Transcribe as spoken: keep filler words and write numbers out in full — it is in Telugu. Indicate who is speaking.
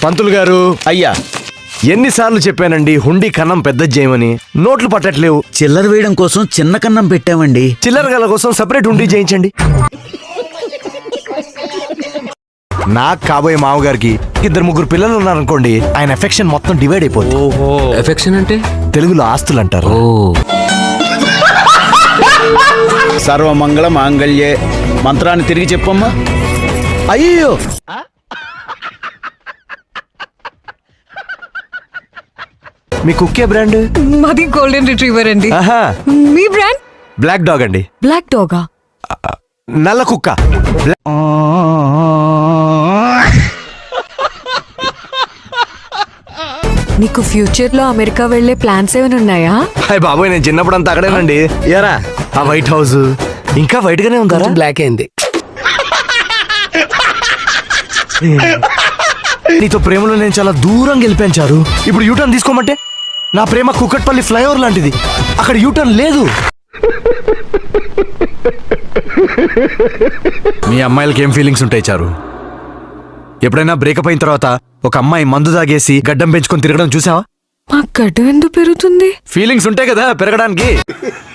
Speaker 1: పంతులు గారు
Speaker 2: అయ్యా,
Speaker 1: ఎన్నిసార్లు చెప్పానండి హుండీ కన్నం పెద్ద చేయమని, నోట్లు పట్టట్లేవు.
Speaker 2: చిల్లర వేయడం కోసం చిన్న కన్నం పెట్టామండి.
Speaker 1: చిల్లర గల కోసం సెపరేట్ హుండీ చేయించండి. నాకు కాబోయే మామగారికి ఇద్దరు ముగ్గురు పిల్లలు ఉన్నారనుకోండి, ఆయన ఎఫెక్షన్ మొత్తం డివైడ్ అయిపోతుంది.
Speaker 3: ఓహో, ఎఫెక్షన్ అంటే
Speaker 1: తెలుగులో ఆస్తులు అంటారు.
Speaker 3: ఓ
Speaker 2: సర్వమంగళ మాంగళ్యే మంత్రాన్ని తిరిగి చెప్పమ్మా.
Speaker 1: అయ్యో, మీ కుక్కే బ్రాండ్?
Speaker 4: మాది గోల్డెన్ రిట్రీవర్ అండి.
Speaker 1: ఆహా,
Speaker 4: మీ బ్రాండ్?
Speaker 1: బ్లాక్ డాగ్ అండి.
Speaker 4: బ్లాక్ డాగా?
Speaker 1: నల్ల కుక్క.
Speaker 4: నీకు ఫ్యూచర్ లో అమెరికా వెళ్లే ప్లాన్స్ ఏమైనా ఉన్నాయా?
Speaker 1: హాయ్ బాబోయ్, నేను చిన్నప్పుడు అంతా అక్కడేనండి. యారా, ఆ వైట్ హౌస్ ఇంకా వైట్ గానే ఉందా?
Speaker 3: బ్లాక్ అయింది.
Speaker 1: నీతో ప్రేమలో నేను చాలా దూరం గెలిపించారు. ఇప్పుడు యూటర్న్ తీసుకోమంటే నా ప్రేమ కుక్కట్పల్లి ఫ్లైఓవర్ లాంటిది, అక్కడ యూటర్న్ లేదు. మీ అమ్మాయిలకి ఏం ఫీలింగ్స్ ఉంటాయి చారు? ఎప్పుడైనా బ్రేకప్ అయిన తర్వాత ఒక అమ్మాయి మందు తాగేసి గడ్డం పెంచుకొని తిరగడం చూసావా?
Speaker 4: మా గడ్డం ఎందుకు పెరుగుతుంది?
Speaker 1: ఫీలింగ్స్ ఉంటాయి కదా పెరగడానికి.